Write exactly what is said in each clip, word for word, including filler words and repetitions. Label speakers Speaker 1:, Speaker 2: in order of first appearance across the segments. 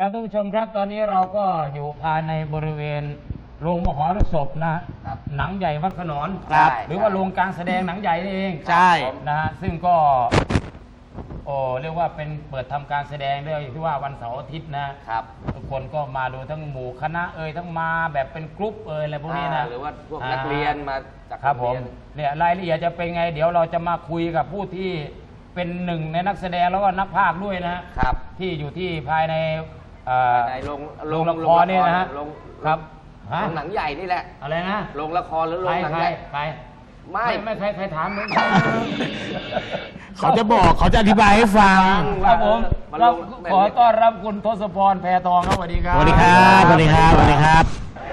Speaker 1: ท่านผู้ชมครับตอนนี้เราก็อยู่ภายในบริเวณโรงมหรสพนะหนังใหญ่วัดขนอนหรือว่าโรงการแสดงหนังใหญ่นี่เอง
Speaker 2: ใช่
Speaker 1: นะฮะซึ่งก็โอ้เรียกว่าเป็นเปิดทำการแสดงด้วยที่ว่าวันเสาร์อาทิตย์นะครับทุกคนก็มาดูทั้งหมู่คณะเอ่ยทั้งมาแบบเป็นกรุ๊ปเอ่ยอะไรพวกนี้นะ
Speaker 2: หรือว่าพวกนักเรียนมาจาก
Speaker 1: ครับผมเนี่ยรายละเอียดจะเป็นไงเดี๋ยวเราจะมาคุยกับผู้ที่เป็นหนึ่งในนักแสดงแล้วก็นักพากย์ด้วยนะครับที่อยู่ที่ภายใน
Speaker 2: ในโรง
Speaker 1: โรงละครเนี่ยนะฮะครับ
Speaker 2: โรงหนังใหญ่นี่แหละ
Speaker 1: อะไรนะ
Speaker 2: โรงละครหรือโรงหนังใหญ่
Speaker 1: ใคร
Speaker 2: ไม่
Speaker 1: ไม่ใครใครถามมึง
Speaker 3: เขาจะบอกเขาจะอธิบายให้ฟัง
Speaker 1: ครับผมเราขอต้อนรับคุณทศพรแพทองครับสวัสดีครับ
Speaker 3: สวัสดีครับสวัสดีครับสวัสดีครับ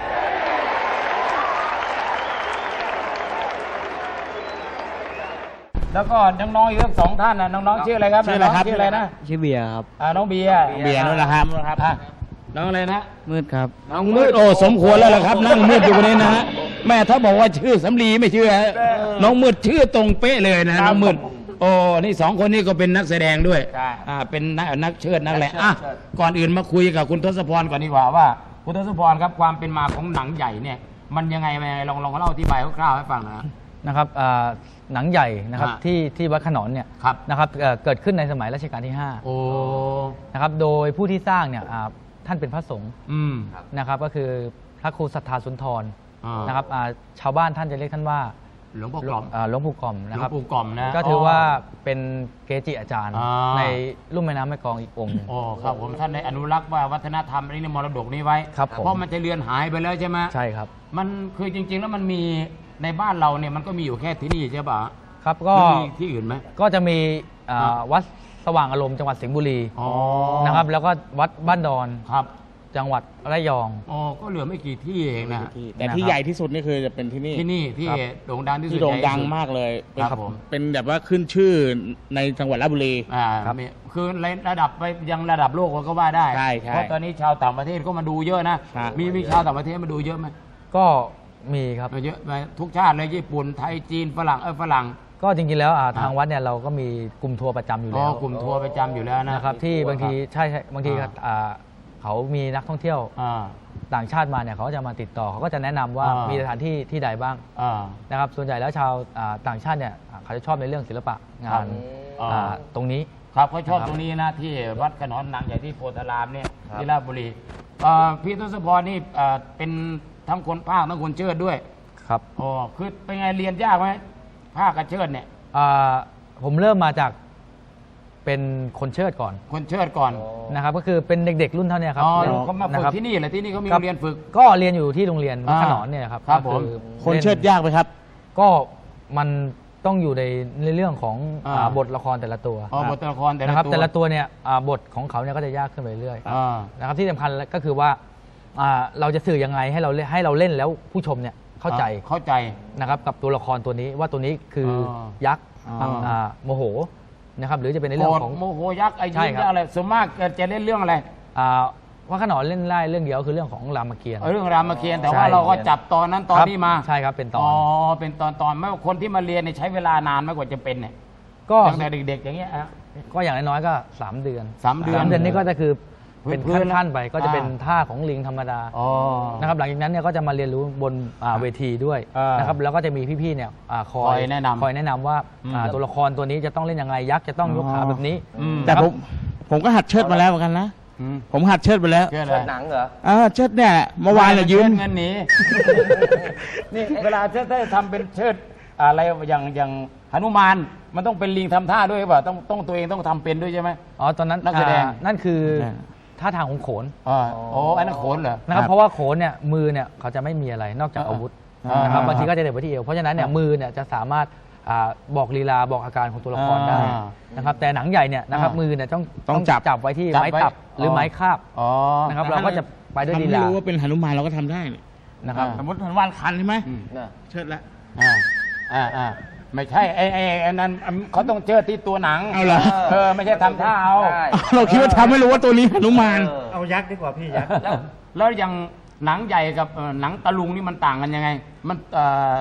Speaker 1: แล้วก็น้องๆอีกสองท่านนะน้องๆชื่ออะไรครับ
Speaker 3: ชื่ออะไรครับ
Speaker 1: ชื่ออะไรนะ
Speaker 4: ชื่อเบียร์ครับ
Speaker 1: อ่าน้องเบียร์
Speaker 3: เบียร์นู่นแหละครับ
Speaker 1: น้องอะไรนะ
Speaker 4: มืดครับ
Speaker 1: น้องมืดโอ้สมควรแล้วล่ะครับนั่งมืดอยู่คนนี้นะฮะแม่ถ้าบอกว่าชื่อสำลีไม่เชื่อน้องมืดชื่อตรงเป๊ะเลยนะน้องมืดโอ้นี่สองคนนี้ก็เป็นนักแสดงด้วยอ่าเป็นนักนักเชิดนักแหละอ่ะก่อนอื่นมาคุยกับคุณทศพรก่อนดีกว่าว่าคุณทศพรครับความเป็นมาของหนังใหญ่เนี่ยมันยังไงยังไงลองลองเล่าอธิบายคร่าวๆให้ฟังนะ
Speaker 4: นะครับหนังใหญ่นะครับที่ที่วัดขนอนเนี่ยนะครับเกิดขึ้นในสมัยรัชกาลที่ห้านะครับโดยผู้ที่สร้างเนี่ยท่านเป็นพระสงฆ์นะครับก็คือพระครูสัทธาสุนทรนะครับชาวบ้านท่านจะเรียกท่านว่า
Speaker 1: หลวงปู่กล่อม
Speaker 4: หลวงปู่กล่อมนะครับ
Speaker 1: หลวงปู่กล่อมนะ
Speaker 4: ก็ถือว่าเป็นเกจิอาจารย์ในลุ่มแม่น้ำแม่กลองอีกองค์
Speaker 1: อ๋อครับผมท่านได้อนุรักษ์ว่าวัฒนธรรมนี้ในมรดกนี้ไว้เพราะมันจะเลือนหายไปแล้วใช่ไหม
Speaker 4: ใช่ครับ
Speaker 1: มันคือจริงๆแล้วมันมีในบ้านเราเนี่ยมันก็มีอยู่แค่ที่นี่ใช่ป่ะ
Speaker 4: ครับก็
Speaker 1: มีที่อื่นไหม
Speaker 4: ก็จะมีวัดสว่างอารมณ์จังหวัดสิงห์บุรีนะครับแล้วก็วัดบ้านดอน
Speaker 1: ครับ
Speaker 4: จังหวัดระยอง
Speaker 1: อ๋อก็เหลือไม่กี่ที่เองนะ
Speaker 3: แต่ที่ใหญ่ที่สุดนี่คือจะเป็นที่นี่
Speaker 1: ที่นี่ที่โด่งดังที่สุด
Speaker 3: ที่โด่งดังมากเลยครับผมเป็นแบบว่าขึ้นชื่อในจังหวัดราชบุรี
Speaker 1: อ่าครับคือระดับไปยังระดับโลกก็ว่าได้
Speaker 3: ใช่
Speaker 1: เพราะตอนนี้ชาวต่างประเทศก็มาดูเยอะนะมีมีชาวต่างประเทศมาดูเยอะไหม
Speaker 4: ก็มีครับ
Speaker 1: เยอะทุกชาติเลยญี่ปุ่นไทยจีนฝรั่งเออฝรั่ง
Speaker 4: ก็จริงๆแล้วทางวัดเนี่ยเราก็มีกลุ่มทัวร์ประจำอยู่แล้ว
Speaker 1: กลุ่มทัวร์ประจำอยู่แล้ว
Speaker 4: นะครับที่บางทีใช่บางทีเขามีนักท่องเที่ยวต่างชาติมาเนี่ยเขาจะมาติดต่อเขาก็จะแนะนำว่ามีสถานที่ที่ใดบ้างนะครับส่วนใหญ่แล้วชาวต่างชาติเนี่ยเขาจะชอบในเรื่องศิลปะงานตรงนี้
Speaker 1: ครับเขาชอบตรงนี้นะที่วัดขนอนหนังใหญ่ที่โพธารามเนี่ยที่ราชบุรีพี่ทศพรนี่เป็นทั้งคนภาคทั้งคนเชิดด้วย
Speaker 4: ครับ
Speaker 1: อ๋อคือเป็นไงเรียนยากไหมภาคกับเชิดเนี่ย
Speaker 4: ผมเริ่มมาจากเป็นคนเชิดก่อน
Speaker 1: คนเชิดก่อน
Speaker 4: นะครับก็คือเป็นเด็กๆรุ่นเท่านี้ครับ
Speaker 1: อ๋อเขามาฝึกที่นี่แหละที่นี่เขามีเรียนฝึก
Speaker 4: ก็เรียนอยู่ที่โรงเรียนวัดขนอนเนี่ยครับ
Speaker 1: ครับผม
Speaker 3: คนเชิดยากไหมครับ
Speaker 4: ก็มันต้องอยู่ในในเรื่องของบทละครแต่ละตัว
Speaker 1: อ๋อบทละครแต่ละ
Speaker 4: ตัวนะครับแต่ละตัวเนี่ยบทของเขาเนี่ยก็จะยากขึ้นไปเรื่อยๆนะครับที่สำคัญก็คือว่าเราจะสื่อยังไงให้เราให้เราเล่นแล้วผู้ชมเนี่ยเข้าใจ
Speaker 1: เข้าใจ
Speaker 4: นะครับกับตัวละครตัวนี้ว่าตัวนี้คือยักษ์โมโหนะครับหรือจะเป็นในเรื่องของ
Speaker 1: โมโหยักษ์ไอ้ยิงอะไรส่วนมากจะเล่นเรื่องอะไร
Speaker 4: ว่าขนอนเล่นได้เรื่องเดียวคือเรื่องของรามเกียรติ์
Speaker 1: เรื่องรามเกียรติ์แต่ว่าเราก็จับตอนนั้นตอนนี้มา
Speaker 4: ใช่ครับเป็นตอน
Speaker 1: อ๋อเป็นตอนตอนไม่ว่าคนที่มาเรียนใช้เวลานานมากกว่าจะเป็นเนี่ย
Speaker 4: ก็
Speaker 1: ตั้งแต่เด็กๆอย่างเงี้ย
Speaker 4: ก็อย่างน้อยๆก็สามเดือน
Speaker 1: สามเดือน
Speaker 4: สามเดือนนี้ก็จะคือเป็นขั้นๆไปก็จะเป็นท่าของลิงธรรมดานะครับหลังจากนั้นเนี่ยก็จะมาเรียนรู้บนเวทีด้วยนะครับแล้วก็จะมีพี่ๆเนี่ยคอย
Speaker 1: แนะนำ
Speaker 4: คอยแนะนำว่าตัวละครตัวนี้จะต้องเล่นยังไงยักษ์จะต้องยกขาแบบนี้
Speaker 3: แต่ผมผมก็หัดเชิดมาแล้วเหมือนกันนะผมหัดเชิดไปแล้ว
Speaker 2: เชิดหนังเหรอ
Speaker 3: อ่าเชิดเนี่ยเมื่อวานเรายืม
Speaker 1: เงินหนีนี่เวลาเชิดได้ทำเป็นเชิดอะไรอย่างอย่างหนุมานมันต้องเป็นลิงทำท่าด้วยป่ะต้องต้องตัวเองต้องทำเป็นด้วยใช่ไหม
Speaker 4: อ๋อตอนนั้น
Speaker 1: นักแสดง
Speaker 4: นั่นคือท่าทางของโขน
Speaker 1: อ๋อโอ้อันนั้นโขนเหรอ
Speaker 4: นะครับเพราะว่าโขนเนี่ยมือเนี่ยเขาจะไม่มีอะไรนอกจากอาวุธนะครับบางทีก็จะเด็ดไปที่เอวเพราะฉะนั้นเนี่ยมือเนี่ยจะสามารถบอกลีลาบอกอาการของตัวละครได้นะครับแต่หนังใหญ่เนี่ยนะครับมือเนี่ยต้อง
Speaker 3: ต้องจับ
Speaker 4: จับไว้ที่ไม้ตับหรือไม้คาบนะครับเราก็จะไปด้วยลีลา
Speaker 3: ไม่รู้ว่าเป็นหนุมานเราก็ทำได้
Speaker 4: นะครับ
Speaker 3: สมมติหนุมานคันใช่ไหมเชิดแล้ว
Speaker 1: อ่าอ่าอ่าไม่ใช่ไอ้ไอ้ไอ้นั้นเขาต้องเชิดที่ตัวหนัง
Speaker 3: เอาเหรอ
Speaker 1: เออไม่ใช่ทำท่าเอา
Speaker 3: เราคิดว่าทำไม่รู้ว่าตัวนี้หนุมาน
Speaker 4: เอายักษ์ดีกว่าพี่ยักษ์
Speaker 1: แล้วอย่างหนังใหญ่กับหนังตะลุงนี่มันต่างกันยังไงมัน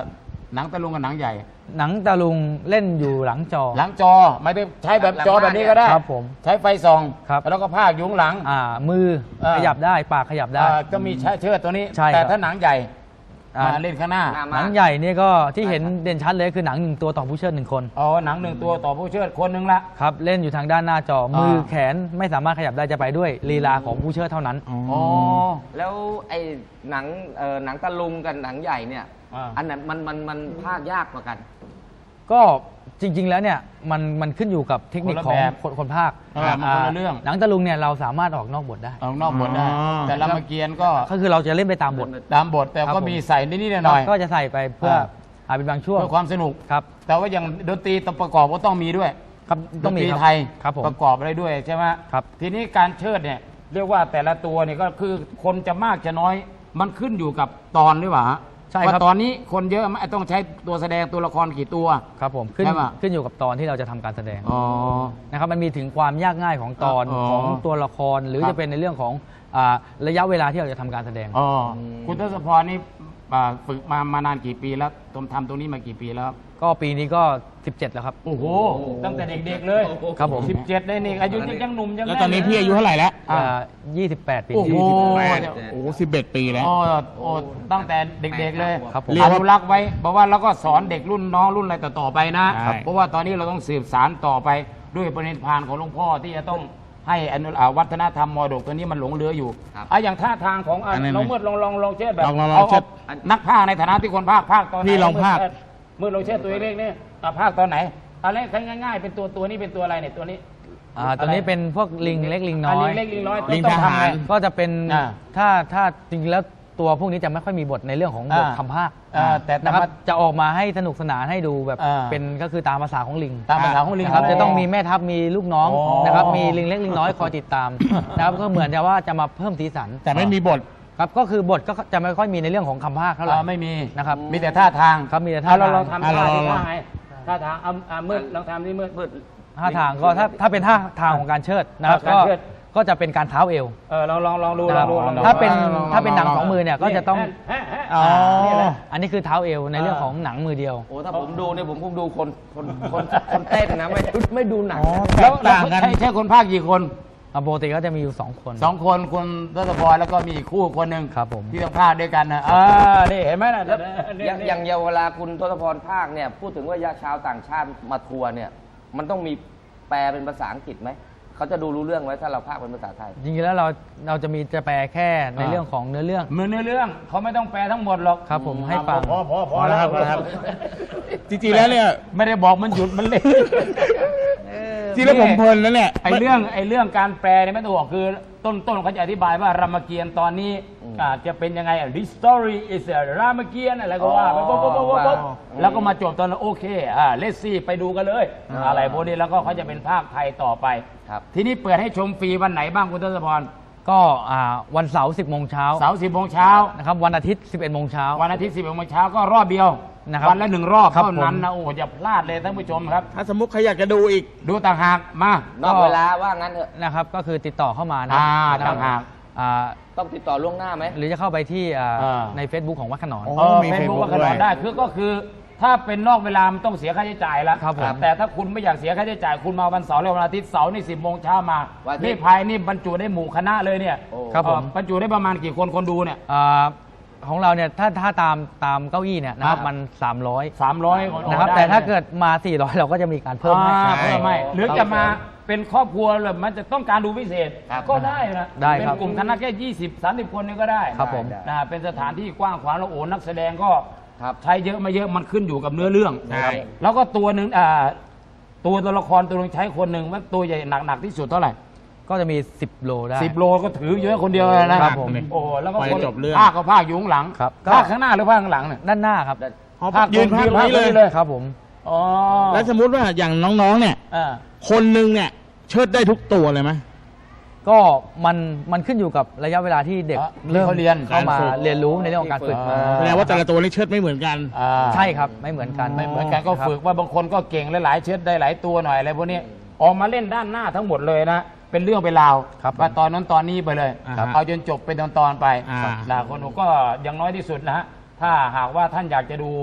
Speaker 1: หนังตะลุงกับหนังใหญ่
Speaker 4: หนังตะลุงเล่นอยู่หลังจอ
Speaker 1: หลังจอไม่ได้ใช้แบบจอแบบนี้ก็ได้
Speaker 4: ครับผม
Speaker 1: ใช้ไฟส่อง
Speaker 4: ครับ
Speaker 1: แล้วก็พากอยู่ข้างหลัง
Speaker 4: อ่ามือ
Speaker 1: เออ
Speaker 4: ขยับได้ปากขยับได้
Speaker 1: อ่าก็มีใช้เชือกตัวนี้
Speaker 4: ใช่
Speaker 1: แต่
Speaker 4: ครับ
Speaker 1: ถ้าหนังใหญ่
Speaker 4: อ่าม
Speaker 1: มาเล่นข้างหน้า
Speaker 2: หน้า
Speaker 4: หนังใหญ่เนี่ยก็ที่เห็นเด่นชัดเลยคือหนังหนึ่งตัวต่อผู้เชิดหนึ่งคน
Speaker 1: อ๋อหนังหนึ่งตัวต่อผู้เชิดคนหนึ่งละ
Speaker 4: ครับเล่นอยู่ทางด้านหน้าจอ
Speaker 1: อ่ามื
Speaker 4: มือแขนไม่สามารถขยับได้จะไปด้วยลีลาของผู้เชิดเท่านั้น
Speaker 1: อ๋อ
Speaker 2: แล้วไอ้หนังเอ่อหนังตะลุงกับหนังใหญ่เนี่ย
Speaker 1: อ่า
Speaker 2: อันไหนมันมันมันภาคยากกว่ากัน
Speaker 4: ก็จริง ๆ แล้วเนี่ยมันมันขึ้นอยู่กับเทคนิค
Speaker 1: คนละ
Speaker 4: ของ
Speaker 1: แบบ
Speaker 4: คนคนภาค
Speaker 1: เออมันคนละเรื่อง
Speaker 4: หนังตะลุงเนี่ยเราสามารถออกนอกบทได้
Speaker 1: ออกนอกบทได้
Speaker 3: อ๋อ
Speaker 1: แต่รามเกียรติ์ก็
Speaker 4: ก็คือเราจะเล่นไปตามบท
Speaker 1: ตามบทแต่
Speaker 4: ครับ
Speaker 1: ก็
Speaker 4: ผม
Speaker 1: มีใส่นิดๆหน่อยๆ
Speaker 4: ก็จะใส่ไปเพื่อ
Speaker 1: อ่า
Speaker 4: อาเป็นบางช่วง
Speaker 1: เพื่อความสนุก
Speaker 4: ครับ
Speaker 1: แต่ว่าอย่างดนตรีตัวประกอบก็ต้องมีด้วย
Speaker 4: ครับ
Speaker 1: ด
Speaker 4: ต้อง
Speaker 1: น
Speaker 4: มี
Speaker 1: ตรี
Speaker 4: ครับ
Speaker 1: ไทย
Speaker 4: ครับผม
Speaker 1: ประกอบอะไรด้วยใช่ไหม
Speaker 4: ครับ
Speaker 1: ทีนี้การเชิดเนี่ยเรียกว่าแต่ละตัวเนี่ยก็คือคนจะมากจะน้อยมันขึ้นอยู่กับตอนหรือเปล่าฮะ
Speaker 4: ใช่ครับ
Speaker 1: ว่าตอนนี้คนเยอะไหมต้องใช้ตัวแสดงตัวละครกี่ตัว
Speaker 4: ครับผมขึ้น
Speaker 1: ใช่ปะ
Speaker 4: ขึ้นอยู่กับตอนที่เราจะทำการแสดง
Speaker 1: อ๋อ
Speaker 4: นะครับมันมีถึงความยากง่ายของตอน
Speaker 1: อ๋อ
Speaker 4: ของตัวละครหรือ
Speaker 1: ครับ
Speaker 4: จะเป็นในเรื่องของอ่าระยะเวลาที่เราจะทำการแสดง
Speaker 1: อ๋อคุณทศพรนี่อ่าฝึกมามานานกี่ปีแล้วตมทำตรงนี้มากี่ปีแล้ว
Speaker 4: ก็ปีนี้ก็สิบเจ็ดแล้วครับ
Speaker 1: โอ้โหตั้งแต่เด็กๆเลย
Speaker 4: ครับผม
Speaker 1: สิบเจ็ดเลยนี่อายุยังยังหนุ่มยัง
Speaker 3: แล้วตอนนี้พี่อายุเท่าไหร่แล้ว
Speaker 1: อ่า
Speaker 4: ยี่สิบแปดปี
Speaker 1: โอ้โห
Speaker 4: นี้
Speaker 3: โอ้สิบเอ็ดปีแล้ว
Speaker 1: โอ้โอ้ตั้งแต่เด็กๆเลย
Speaker 4: ครับผม
Speaker 1: อนุรักษ์ไว้บอกว่าแล้วก็สอนเด็กรุ่นน้องรุ่นอะไรต่อๆไปนะ
Speaker 3: ใช่
Speaker 1: เพราะว่าตอนนี้เราต้องสืบสารต่อไปด้วยปณิธานของหลวงพ่อที่จะต้องให้อนุอ่าวัฒนธรรมมรดกตัวนี้มันหลงเหลืออยู่
Speaker 2: ครับ
Speaker 1: อ่ะอย่างท่าทางของอ่ะ
Speaker 3: อันนั้น
Speaker 1: น้องมืดลองลองลองเชิดแบบ
Speaker 3: ลองลองลอง
Speaker 1: เอา
Speaker 3: เชิด
Speaker 1: เอานักภาคในฐานะที่คนภาคภาคตอนไหน
Speaker 3: พี่ลองภาค
Speaker 1: มืดลองเชิดตัวเล็กๆนี่อ่ะภาคตอนไหนอะไรง่ายๆเป็นตัวตัวนี้เป็นตัวอะไรเนี่ยตัวนี้
Speaker 4: อ่าตัวนี้เป็นพวกลิงเล็กลิงน้
Speaker 1: ะ
Speaker 4: อ
Speaker 1: ลิ
Speaker 4: ย
Speaker 1: งเล็กลิงน้อย
Speaker 3: ลิง
Speaker 1: ต้อง
Speaker 3: ทหาร
Speaker 1: ทำไง
Speaker 4: ก็จะเป็น
Speaker 1: อ่า
Speaker 4: ถ้าถ้าจริงๆแล้วตัวพวกนี้จะไม่ค่อยมีบทในเรื่องของบท
Speaker 1: อ่า
Speaker 4: คำภาค
Speaker 1: อ่าแต่
Speaker 4: นะครับ
Speaker 1: แต่ว่า
Speaker 4: จะออกมาให้สนุกสนานให้ดูแบบ
Speaker 1: อ่า
Speaker 4: เป็นก็คือตามภาษาของลิง
Speaker 1: ตามภาษาของลิง
Speaker 4: นะครับ
Speaker 1: เขา
Speaker 4: จะต้องมีแม่ทัพมีลูกน้อง
Speaker 1: อ๋อ
Speaker 4: นะครับมีลิงเล็กลิงน้อยคอยติดตาม นะครับก็เหมือนจะว่าจะมาเพิ่มสีสัน
Speaker 3: แต่ไม่มีบท
Speaker 4: ครับก็คือบทก็จะไม่ค่อยมีในเรื่องของคำภาคเท่าไหร่
Speaker 1: อ่าไม่มี
Speaker 4: นะครับ
Speaker 1: มีแต่ท่าทาง
Speaker 4: ครับมีแต่ท่า
Speaker 1: เอเรา
Speaker 4: ทาง
Speaker 1: ลองทำ
Speaker 3: อ่ะ
Speaker 1: ท่า
Speaker 3: ลอง
Speaker 1: ที่
Speaker 3: ลอง
Speaker 1: ท่าไงท่าทางเอาอ่ามืดลองทำที่มืดมืด
Speaker 4: ท่าทางก็ถ้าถ้าเป็นท่าทางของการเชิดนะครับ
Speaker 1: การ
Speaker 4: ก็
Speaker 1: เชิด
Speaker 4: ก็จะเป็นการเท้าเอว
Speaker 1: เออลองลองลองดู
Speaker 4: นะ
Speaker 1: ล
Speaker 4: ค
Speaker 1: อ
Speaker 4: รั
Speaker 1: ง
Speaker 4: บ
Speaker 1: ดูลองดู
Speaker 4: ถ้าเป็น
Speaker 3: ลอง
Speaker 4: ถ้าเป็นหนัง
Speaker 3: ลอง
Speaker 4: สองมือเนี่ยก็จะต้อง
Speaker 1: แฮะแฮะ
Speaker 3: อ๋อ
Speaker 1: นี่แหละ
Speaker 4: อันนี้คือเท้าเอวในเรื่องของหนังมือเดียว
Speaker 2: โอ้ถ้าผมดูเนี่ยผมคงดูคนคนคนคนเต้นนะไม่ไม่ดูหนัง
Speaker 3: อ๋อ
Speaker 2: นะ
Speaker 1: แล้วแล้ว
Speaker 3: ต่างกัน
Speaker 1: ใช่ใช่คนภาคกี่คน
Speaker 4: อ่ะปกติก็จะมีอยู่สองคน
Speaker 1: สองคนคุณทศพรแล้วก็มีอีกคู่คนหนึ่ง
Speaker 4: ครับผม
Speaker 1: ที่ต้องภาคด้วยกันนะอ่านี่เห็นไหมนะ
Speaker 2: แล้ว
Speaker 1: เนี่
Speaker 2: อย่างอย่างเวลาคุณทศพรภาคเนี่ยพูดถึงว่าชาวต่างชาติมาทัวร์เนี่ยมันต้องมีแปลเป็นภาษาอังกฤษไหมเขาจะดูรู้เรื่องไหมถ้าเราภาคเป็นภาษาไทย
Speaker 4: จริงๆแล้วเราเราจะมีจะแปลแค่ในเรื่องของเนื้อเรื่อง
Speaker 1: เหมือนในเรื่องเขาไม่ต้องแปลทั้งหมดหรอก
Speaker 4: ครับผมให้ฟัง
Speaker 1: พอพอพ
Speaker 3: พ
Speaker 1: อ
Speaker 3: อ
Speaker 1: แล้
Speaker 3: แล้ว
Speaker 1: ว
Speaker 3: ครับพอแล้วครับ จริงๆแล้วเนี่ย
Speaker 1: ไม่ได้บอกมันหยุดมันเล่น
Speaker 3: จริงๆแล้วผมเพลินแล้วเนี่ย
Speaker 1: ไอเรื่องไอเรื่องการแปลเนี่ยไม่ต้องบอกคือต้นต้นเขาจะอธิบายว่ารามเกียรติ์ตอนนี้อาจะเป็นยังไงอ่ะ This story is a รามเกียรติ์อะไรก็ว่าไปปุ๊บปุ๊บปุ๊บปุ๊บปุ๊บแล้วก็มาจบตอนนั้นโอเคอ่าเลสซี่ไปดูกันเลย อะไรพวกนี้แล้วก็เขาจะเป็นภาคไทยต่อไป
Speaker 2: ครับ
Speaker 1: ทีนี้เปิดให้ชมฟรีวันไหนบ้างคุณทศพร
Speaker 4: ก็อ่าวันเสาร์สิบโมงเช้า
Speaker 1: เสาร์สิบโมงเช้า
Speaker 4: นะครับวันอาทิตย์สิบเอ็ดโมงเช้า
Speaker 1: วันอาทิตย์สิบโมงเช้าก็รอบเดียว
Speaker 4: นะครับ
Speaker 1: วันละหนึ่งรอบ
Speaker 4: ครับ
Speaker 1: เท่านั้น
Speaker 4: ผม
Speaker 1: นะโอ้อย่าพลาดเลยท่านผู้ชมครับ
Speaker 3: ถ้าสมมติใครอยากจะดูอีก
Speaker 1: ดูต่างหากมา
Speaker 2: นอกเวลาว่างั้นเถอะ
Speaker 4: นะครับก็คือติดต่อเข้ามานะ
Speaker 1: อ่า
Speaker 4: นะครับ
Speaker 1: ต่างหาก
Speaker 4: อ่า
Speaker 2: ต้องติดต่อล่วงหน้าไหม
Speaker 4: หรือจะเข้าไปที่อ่า
Speaker 1: อ่า
Speaker 4: ใน Facebook ของวัดขนอน
Speaker 3: อ๋อ
Speaker 1: เออ
Speaker 3: มี
Speaker 1: เฟซบุ๊ก
Speaker 3: Facebook
Speaker 1: ว่าขนอน
Speaker 3: ด้วย
Speaker 1: ได้คือก็คือถ้าเป็นนอกเวลามันต้องเสียค่าใช้จ่ายแล้ว
Speaker 4: ครับผม
Speaker 1: แต่ถ้าคุณไม่อยากเสียค่าใช้จ่ายคุณมาวันเสาร์และวันอาทิตย์เสาร์นี่สิบโมงเช้ามา
Speaker 2: วันอาทิตย์
Speaker 1: นี่ภายนี่บรรจุได้หมู่คณะเลยเนี่ย
Speaker 2: โอ้
Speaker 4: ครับผม
Speaker 1: เอ่อบรรจุได้ประมาณกี่คนคนดูเนี่ย
Speaker 4: อ่าของเราเนี่ยถ้าถ้าตามตามเก้าอี้เนี่ยนะครับ
Speaker 1: อ่ามั
Speaker 4: มันสามร้อย
Speaker 1: สามร้อยคน
Speaker 4: นะครับ
Speaker 1: ได้
Speaker 4: แต่ถ้า
Speaker 1: ลย
Speaker 4: เกิดมาสี่ร้อยเราก็จะมีการเพิ่มให้
Speaker 1: อ่า
Speaker 3: ใช่
Speaker 1: เพิ่มไม่หรือ
Speaker 4: ครับ
Speaker 1: จะมาเป็นครอบครัวเลยมันจะต้องการดูพิเศษ
Speaker 2: ครับ
Speaker 1: ก็ได้นะ
Speaker 4: ได้
Speaker 1: เป็น
Speaker 4: ครับ
Speaker 1: กลุ่มคณะแค่ยี่สิบสามสิบคนนี่ก็ได้
Speaker 4: ครับผม
Speaker 1: นะเป็นสถานที่กว้างขวางแล้วโอ้นักแสดงก็
Speaker 2: ครับ
Speaker 1: ใช้เยอะไม่เยอะมันขึ้นอยู่กับเนื้อเรื่อง
Speaker 3: ใช่
Speaker 1: แล้วก็ตัวหนึ่งอ่าตัวตัวละครตัวหนึงใช้คนหนึ่งว่าตัวใหญ่หนักหนักที่สุดเท่าไหร่
Speaker 4: ก็จะมีสิบโลได้
Speaker 1: สิบโลก็ถือเยอะคนเดียวเลยนะครับ
Speaker 4: ผม
Speaker 1: โอ้แล้วก็
Speaker 3: ไป
Speaker 1: คน
Speaker 3: จบเรื่อง
Speaker 1: ภาคก็ภาคอยู่ข้างหลัง
Speaker 4: ครับ
Speaker 1: ภาคข้างหน้าหรือภาคข้างหลังเนี่ย
Speaker 4: ด้านหน้าครับ
Speaker 3: อ๋อ
Speaker 1: ภาค
Speaker 3: ยืนภาค
Speaker 1: ยืนภาค
Speaker 3: นี้เลย
Speaker 1: นี้เลย
Speaker 4: ครับผม
Speaker 1: อ๋อ
Speaker 3: แล้วสมมติว่าอย่างน้องๆเนี่ย
Speaker 1: อ่า
Speaker 3: คนหนึ่งเนี่ยเชิดได้ทุกตัวเลยไหม
Speaker 4: ก็มันมันขึ้นอยู่กับระยะเวลาที่เด็ก
Speaker 1: อ่ะ
Speaker 4: เริ่ม
Speaker 1: ที่เขาเรียน
Speaker 4: เข้ามา
Speaker 3: การฝึก
Speaker 4: เรียนรู้ในเรื่องของการฝึก
Speaker 1: อ่า
Speaker 3: แสดงว่าแต่ละตัวนี่เชิดไม่เหมือนกัน
Speaker 1: อ่า
Speaker 4: ใช่ครับไม่เหมือนกัน
Speaker 1: ไม่เหมือนกันก็
Speaker 4: ครับ
Speaker 1: ฝึกว่าบางคนก็เก่งหลายๆเชือดได้หลายตัวหน่อยอะไรพวกนี้ออกมาเล่นด้านหน้าทั้งหมดเลยนะเป็นเรื่องเป็นราว
Speaker 4: ครับ
Speaker 1: ว่าตอนนั้นตอนนี้ไปเลย
Speaker 3: อ่าฮะ
Speaker 1: เอาจนจบเป็นตอนๆไป
Speaker 3: อ่า
Speaker 1: นะคนหนูก็อย่างน้อยที่สุดนะฮะถ้าหากว่าท่านอยากจะดู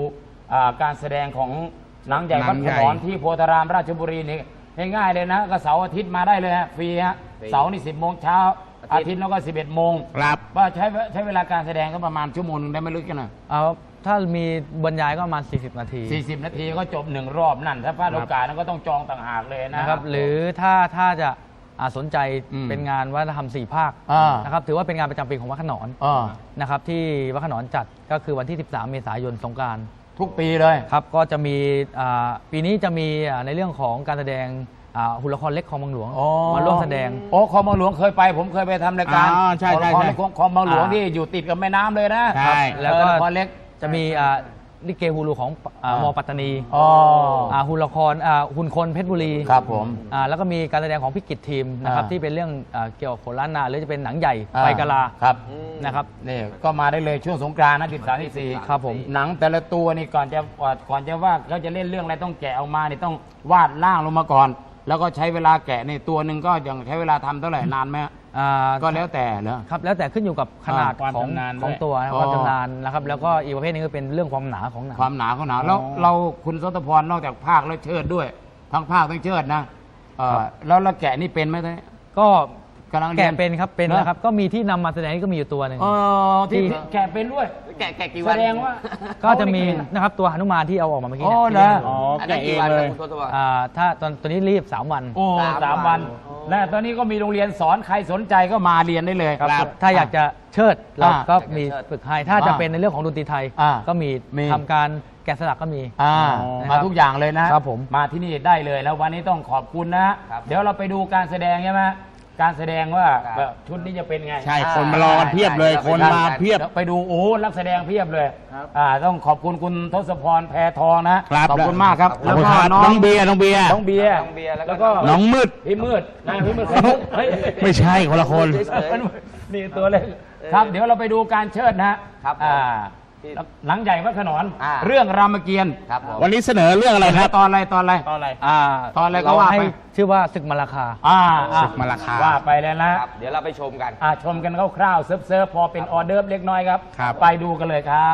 Speaker 1: อ่าการแสดงของหนังใหญ่วัดขนอนที่โพธารามราชบุรีนี่ง่ายๆเลยนะก็เสาร์อาทิตย์มาได้เลยฮะฟรีฮะเสาร์นี่สิบโมงเช้าอาทิตย์แล้วก็สิบเอ็ดโมง
Speaker 3: ครับ
Speaker 1: ว่าใช้ใช้เวลาการแสดงก็ประมาณชั่วโมงนึงได้ไม่ลึกกันนะ
Speaker 4: เอาถ้ามีบรรยายก็ประมาณสี่สิบนาที
Speaker 1: สี่สิบนาทีก็จบหนึ่งรอบนั่นถ้าพลาดโอกาสนั้นก็ต้องจองต่างหากเลยนะ
Speaker 4: นะครับหรือถ้าถ้าจะอ่าสนใจ
Speaker 1: อืม
Speaker 4: เป็นงานวัฒนธรรมสี่ภาค
Speaker 1: อ่า
Speaker 4: นะครับถือว่าเป็นงานประจำปีของวัดขนอน
Speaker 1: อ่า
Speaker 4: นะครับที่วัดขนอนจัดก็คือวันที่ สิบสาม เมษายนสงกรานต์
Speaker 1: ทุกปีเลย
Speaker 4: ครับก็จะมีอ่าปีนี้จะมีอ่าในเรื่องของการแสดงอ่าหุ่นละครเล็กคลองบางหลวง
Speaker 1: อ๋อ
Speaker 4: มาร่วมแสดง
Speaker 1: โอ้คลองบางหลวงเคยไป ผมเคยไปทำรายการ
Speaker 3: อ๋อใช่ใช่
Speaker 1: คลอง
Speaker 3: ใช่
Speaker 1: คลองบางหลวง
Speaker 4: อ่า
Speaker 1: ที่อยู่ติดกับแม่น้ำเลยนะ
Speaker 3: ใช่
Speaker 4: แล้วก็
Speaker 1: เออละครเล็ก
Speaker 4: จะมีอ่าลิเกฮูลูของอ่า
Speaker 1: อ่าม
Speaker 4: มปัตตานี
Speaker 1: อ๋อ
Speaker 4: อ่าหุ่นละครอ่าหุ่นคนเพชรบุรี
Speaker 1: ครับผม
Speaker 4: อ่าแล้วก็มีการแสดงของพิกิจทีมนะครับ
Speaker 1: อ่า
Speaker 4: ที่เป็นเรื่องอ่าเกี่ยวกับโขนล้านนาหรือจะเป็นหนังใหญ่
Speaker 1: อ่า
Speaker 4: ไปกะลา
Speaker 1: ครับ
Speaker 4: นะครับ
Speaker 1: นี่ก็มาได้เลยช่วงสงกรานต์นะสิบสามที่สี่
Speaker 4: ครับผม
Speaker 1: หนังแต่ละตัวนี่ก่อนจะก่อนจะว่าเขาจะเล่นเรื่องอะไรต้องแกะออกมานี่ต้องวาดร่างลงมาก่อน แล้วก็ใช้เวลาแกะในตัวหนึ่งก็ยังใช้เวลาทำเท่าไหร่นานไหม
Speaker 4: อ่า
Speaker 1: ก็แล้วแต่เหรอ
Speaker 4: ครับแล้วแต่ขึ้นอยู่กับขนาด
Speaker 3: ความ
Speaker 4: ของ
Speaker 3: ชำนาญ
Speaker 4: ของ
Speaker 3: ด้วย
Speaker 4: ตัวนะ
Speaker 1: อ๋อ
Speaker 4: ความชำนาญนะครับแล้วก็อีกประเภทหนึงก็เป็นเรื่องความหนาของหนัง
Speaker 1: ความหนาของหนาแล้วเราคุณทศพรนอกจากภาคแล้วเชิดด้วย ทั้งภาคทั้งเชิดนะเออแล้วเราแกะนี่เป็นไหมท่าน
Speaker 4: ก็
Speaker 1: กำลังรีย
Speaker 4: แกะเป็นครับเป็น
Speaker 1: เหรอ
Speaker 4: นะครับก็มีที่นำมาแสดงนี่ก็มีอยู่ตัวหนึ่ง
Speaker 1: เออที่
Speaker 4: ที่
Speaker 1: แกะเป็นด้วย
Speaker 2: แกะแกะกี่วัน
Speaker 1: แสดงว่า
Speaker 4: ก็จะมีนะครับตัวหนุมานที่เอาออกมาเมื่อกี้
Speaker 1: อ๋อ
Speaker 4: เนี่ย
Speaker 1: เหรอ
Speaker 3: อ๋อ
Speaker 2: อัน
Speaker 3: แกะ
Speaker 2: นั้น
Speaker 3: เอ
Speaker 2: กี่
Speaker 3: ง
Speaker 2: วัน
Speaker 3: เล
Speaker 2: นะ
Speaker 3: ย
Speaker 2: คุณทศพร
Speaker 4: อ่าถ้าตอนตัวนี้รีบสามวัน
Speaker 1: โอ้
Speaker 2: สาม
Speaker 1: สามวัน
Speaker 2: อ๋อ
Speaker 1: และตอนนี้ก็มีโรงเรียนสอนใครสนใจก็มาเรียนได้เลย
Speaker 4: ครับถ้าอยากจะเชิดเรา
Speaker 1: อ่า
Speaker 4: ก็มี
Speaker 2: อยากจะเชิด
Speaker 4: ฝึกให้ถ้าจะ
Speaker 1: อ่า
Speaker 4: เป็นในเรื่องของดนตรีไทย
Speaker 1: อ่า
Speaker 4: ก็มี
Speaker 1: มี
Speaker 4: ทำการแกะสลักก็มี
Speaker 1: อ่า
Speaker 4: นะครับ
Speaker 1: มาทุกอย่างเลยนะครับ
Speaker 4: ผม
Speaker 1: มาที่นี่ได้เลยแล้ววันนี้ต้องขอบคุณนะ
Speaker 2: ครับ
Speaker 1: เดี๋ยวเราไปดูการแสดงใช่ไหมการแสดงว่า
Speaker 2: ครับ
Speaker 1: แบบชุดนี้จะเป็นไง
Speaker 3: ใช่ คนมารอกันเพียบเลย
Speaker 2: ใช่
Speaker 3: คนมาเพียบ
Speaker 1: ดี๋วไปดูโอ้โหนักแสดงเพียบเลยอ่าต้องขอบคุณคุณทศพรแพทองนะครับ ขอบคุณมากครับ
Speaker 3: ขอบ
Speaker 1: แล้ว
Speaker 3: คุณ
Speaker 1: ก็
Speaker 3: ครับ
Speaker 1: น้อง
Speaker 3: น้องเบียร์น้องเบียร์
Speaker 1: น้องเบียร์
Speaker 2: น้องเบียร์แล้วก็
Speaker 1: แล้วก็
Speaker 3: น้องมืด
Speaker 1: พี่มืดนะพี่มืดเฮ้ย
Speaker 3: ไม่ใช่คนละคน
Speaker 2: เฉย
Speaker 1: นี่ตัวเล็กครับ เดี๋ยวเราไปดูการเชิดนะฮะ
Speaker 2: ครับผม
Speaker 1: อ่า
Speaker 2: ที่
Speaker 1: หนังใหญ่วัดขนอน
Speaker 2: อ่า
Speaker 1: เรื่องรามเกียรติ์
Speaker 2: ครับผม
Speaker 3: วันนี้เสนอเรื่องอะไรครับ
Speaker 1: ตอนอะไรตอนอะไร
Speaker 3: ตอนอะไร
Speaker 4: อ่า
Speaker 1: ตอนอะไรก็
Speaker 4: เรา
Speaker 1: ว่า
Speaker 4: ให้
Speaker 1: ไป
Speaker 4: ชื่อว่าศึกมาราคา
Speaker 1: อ่าอ่
Speaker 3: ศึกมาราคา
Speaker 1: ว่าไปแล้วนะครับ
Speaker 2: เดี๋ยวเราไปชมกัน
Speaker 1: อ่าชมกันคร่าวๆเซิร์ฟเซิร์ฟพอเป็นออเดิร์ฟเล็กน้อยครับ
Speaker 3: ครับ
Speaker 1: ไปดูกันเลยครับ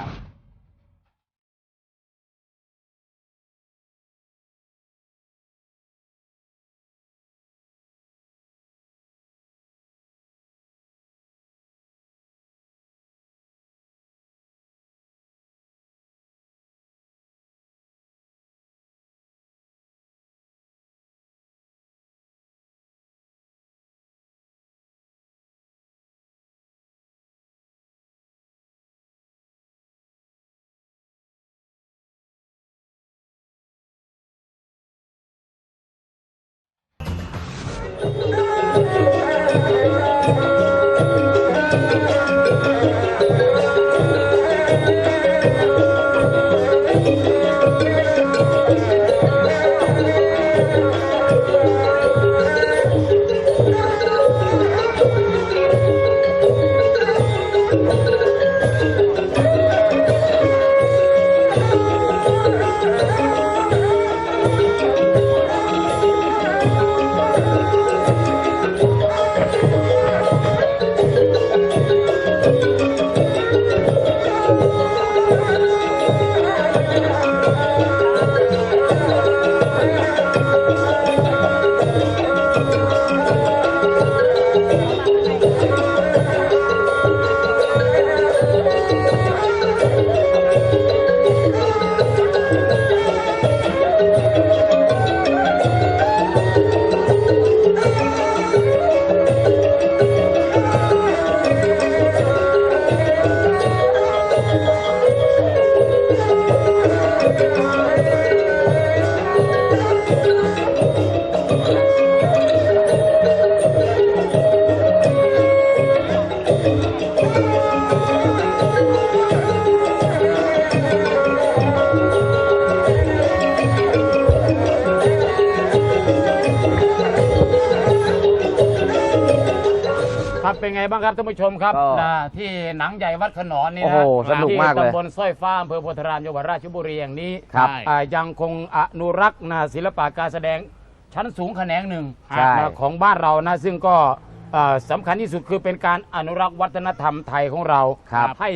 Speaker 1: ครับเป็นไงบ้างครับท่านผู้ชมครับ
Speaker 2: ก็
Speaker 1: นะที่หนังใหญ่วัดขนอนนี่
Speaker 2: โอ้
Speaker 1: นะ
Speaker 2: โหสนุกมากเลย
Speaker 1: ที่ตำบลสร้อยฟ้าอำเภอโพธารามจังหวัดราชบุรีอย่างนี้
Speaker 2: ครับ
Speaker 1: อ่ายังคงอนุรักษ์นะศิลปะการแสดงชั้นสูงแขนงหนึ่ง
Speaker 2: ใช่
Speaker 1: นะของบ้านเรานะซึ่งก็อ่าสำคัญที่สุดคือเป็นการอนุรักษ์วัฒนธรรมไทยของเรา
Speaker 2: ครับ
Speaker 1: ให้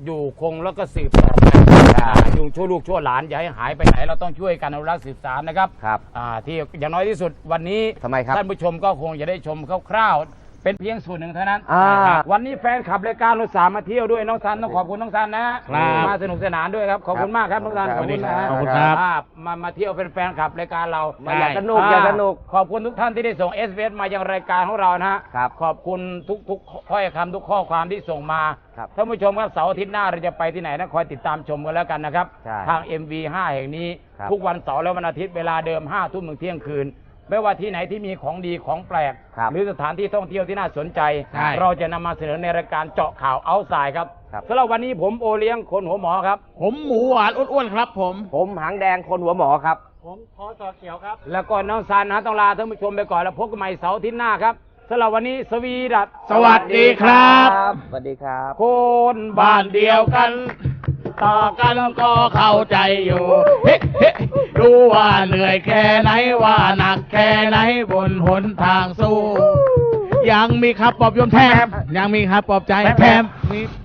Speaker 1: อยู่คงแล้วก็สืบต่อไปอ่าอยู่ช่วยลูกช่วยหลานอย่าให้หายไปไหนเราต้องช่วยกันอนุรักษ์สืบสานนะครับ
Speaker 2: ครับ
Speaker 1: อ่าที่อย่างน้อยที่สุดวันนี้
Speaker 2: ทำไมครับ
Speaker 1: ท่านผู้ชมก็คงจะได้ชมคร่าวๆเป็นเพียงส่วนหนึ่งเท่านั้น
Speaker 2: อ่า
Speaker 1: วันนี้แฟนขับรายการรถสามมาเที่ยวด้วยน้องซันต้องขอบคุณน้องซันนะครับ มาสนุกสนานด้วยครับขอบคุณมากครับน้องซัน
Speaker 2: ครับ
Speaker 1: ขอบคุณนะฮะ
Speaker 3: ขอบคุณครับ
Speaker 1: อ่ามามาเที่ยวเป็นแฟนขับรายการเรา
Speaker 2: มาอยากสนุกอยากสนุก
Speaker 1: ขอบคุณทุกท่านที่ได้ส่ง เอส เอส มายังรายการของเรานะฮะ
Speaker 2: ครับ
Speaker 1: ขอบคุณทุกทุกถ้อยคำทุกข้อความที่ส่งมา
Speaker 2: ครับ
Speaker 1: ท่านผู้ชมครับเสาร์อาทิตย์หน้าเราจะไปที่ไหนนะคอยติดตามชมกันแล้วกันนะครับ
Speaker 2: ใช่
Speaker 1: ทาง เอ็ม วี ห้า แห่งนี้
Speaker 2: ครับ
Speaker 1: ทุกวันเสาร์และวันอาทิตย์เวลาเดิมห้าทุ่มถึงเที่ยงคืน ไม่ว่าที่ไหนที่มีของดีของแปลก
Speaker 2: ครับ
Speaker 1: หรือสถานที่ท่องเที่ยวที่น่าสนใจ
Speaker 3: ใช่
Speaker 1: เราจะนำมาเสนอในรายการเจาะข่าวเอาสายครับ
Speaker 2: ครับ
Speaker 1: สำหรับวันนี้ผมโอเลี้ยงคนหัวหมอครับ
Speaker 3: ผมหมูหวานอ้วนๆครับผม
Speaker 2: ผมหางแดงคนหัวหมอครับ
Speaker 3: ผมพอต่อเขียวครับ
Speaker 1: แล้วก็น้องซันนะต้องลาท่านผู้ชมไปก่อนแล้วพบกันใหม่เสาร์อาทิตย์หน้าครับสำหรับวันนี้สวีดัส
Speaker 3: สวัสดีครับ
Speaker 2: สวัสดีครับ
Speaker 1: คน
Speaker 3: บ้านเดียวกัน ต่อกันก็เข้าใจอยู่เฮ้เฮ้รู้ว่าเหนื่อยแค่ไหนว่าหนักแค่ไหนบนหนทางสู้ ยังมีครับปลอบโยมแทมยังมีครับปลอบใจแทมมี